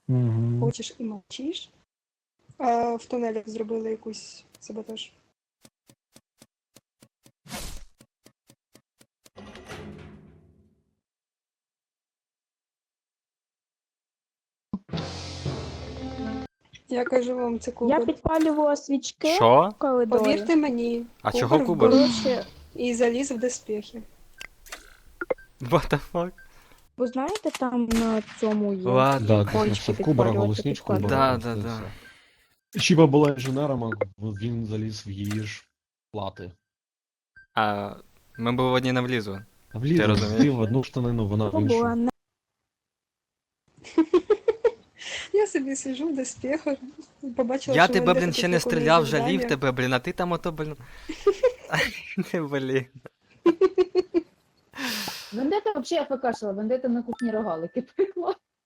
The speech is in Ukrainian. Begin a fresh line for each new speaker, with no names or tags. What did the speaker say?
Угу.
Хочеш і мовчиш. А в тунелях зробили якусь саботаж. Я кажу вам, це
Я
Кубер.
підпалювала свічки
Що?
в коридорі.
Повірте мені,
А чого Кубер?
вбив
Коротше,
і заліз в доспіхи.
What the fuck?
ви знаєте, там на цьому є
Ладно.
Да,
кончики
це в Кубера
підпалювати,
голосничку.
підкладати.
Да.
Чіба була інженером, а він заліз в її ж плати.
А ми б в одні не влізли.
А вліз,
Ти розумієш?
вліз в одну штанину, вона в
Була
іншу.
не
Я собі сижу в доспіхах, побачила,
Я
що
тебе,
Вендета
блін,
тут
ще не
виконує
стріляв,
завдання.
жалів тебе, блін, а ти там ото, блін. Не, блін.
Вендета взагалі АФКшила, Вендета на кухні рогалики пекла.